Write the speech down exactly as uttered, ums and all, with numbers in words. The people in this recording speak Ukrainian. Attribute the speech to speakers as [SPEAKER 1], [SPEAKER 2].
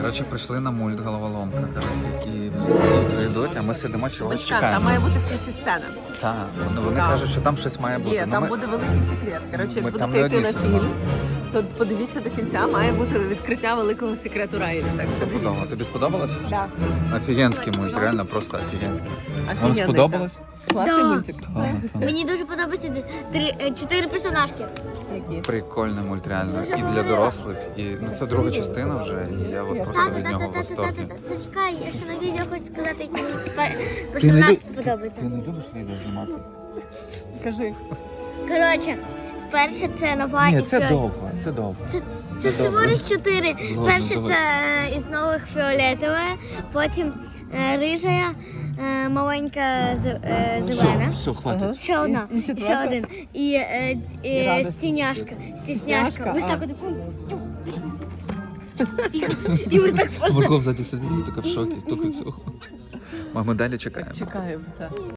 [SPEAKER 1] Коротше, прийшли на мульт головоломка, коротше, і ці три йдуть, а ми сидимо чогось
[SPEAKER 2] Почекай,
[SPEAKER 1] чекаємо.
[SPEAKER 2] там має бути в кінці сцена.
[SPEAKER 1] Так, вони, вони
[SPEAKER 2] Так.
[SPEAKER 1] кажуть, що там щось має бути.
[SPEAKER 2] Є,
[SPEAKER 1] Ну,
[SPEAKER 2] там
[SPEAKER 1] ми-
[SPEAKER 2] буде великий секрет. Коротше,
[SPEAKER 1] Ми
[SPEAKER 2] як
[SPEAKER 1] там
[SPEAKER 2] будете
[SPEAKER 1] не
[SPEAKER 2] йти на
[SPEAKER 1] одні
[SPEAKER 2] фільм, то подивіться до кінця, має бути відкриття великого секрету Райлі. Так що
[SPEAKER 1] Стопудово.
[SPEAKER 2] дивіться.
[SPEAKER 1] Тобі сподобалось?
[SPEAKER 2] Да.
[SPEAKER 1] Офігенський мульт, реально просто офігенський. Вам
[SPEAKER 2] Офігенний,
[SPEAKER 1] сподобалось?
[SPEAKER 2] так. Класний
[SPEAKER 3] Да.
[SPEAKER 2] мультик.
[SPEAKER 1] Так, так.
[SPEAKER 3] Мені дуже подобається три, е, чотири персонажки.
[SPEAKER 2] Які?
[SPEAKER 1] Прикольний мульт, реально.
[SPEAKER 3] Це вже
[SPEAKER 1] І для
[SPEAKER 3] говорила.
[SPEAKER 1] дорослих, і ну, це друга частина вже, і я от просто
[SPEAKER 3] Тата,
[SPEAKER 1] від
[SPEAKER 3] тата,
[SPEAKER 1] нього в
[SPEAKER 3] тата,
[SPEAKER 1] восторгі.
[SPEAKER 3] тата, тата. Зачекай, я ще на відео хочу сказати, які мені пер- персонажки подобаються.
[SPEAKER 1] не любиш відео знімати?
[SPEAKER 2] Кажи.
[SPEAKER 3] Коротше, перше це нова
[SPEAKER 1] Ні,
[SPEAKER 3] і
[SPEAKER 1] це
[SPEAKER 3] фіолет-
[SPEAKER 1] довго, це довго.
[SPEAKER 3] Це,
[SPEAKER 1] Це
[SPEAKER 3] це всього
[SPEAKER 1] добре.
[SPEAKER 3] лиш чотири.
[SPEAKER 1] Ладно,
[SPEAKER 3] Перше
[SPEAKER 1] давай.
[SPEAKER 3] це із нових фіолетове, потім е, рижа, е, маленька з- е, зелена.
[SPEAKER 1] Все, все, хватить.
[SPEAKER 2] Ага.
[SPEAKER 3] Ще одна,
[SPEAKER 2] І- і
[SPEAKER 3] ще
[SPEAKER 2] четверта?
[SPEAKER 3] один. І, е,
[SPEAKER 2] І
[SPEAKER 3] і,
[SPEAKER 2] радості.
[SPEAKER 3] стіняшка, стісняшка.
[SPEAKER 2] Стісняшка,
[SPEAKER 3] Ось
[SPEAKER 2] а.
[SPEAKER 3] так от. І, і ось так просто.
[SPEAKER 1] Морков ззаді сидить і така в шокі, тільки цього. Ми далі чекаємо.
[SPEAKER 2] Чекаємо, так.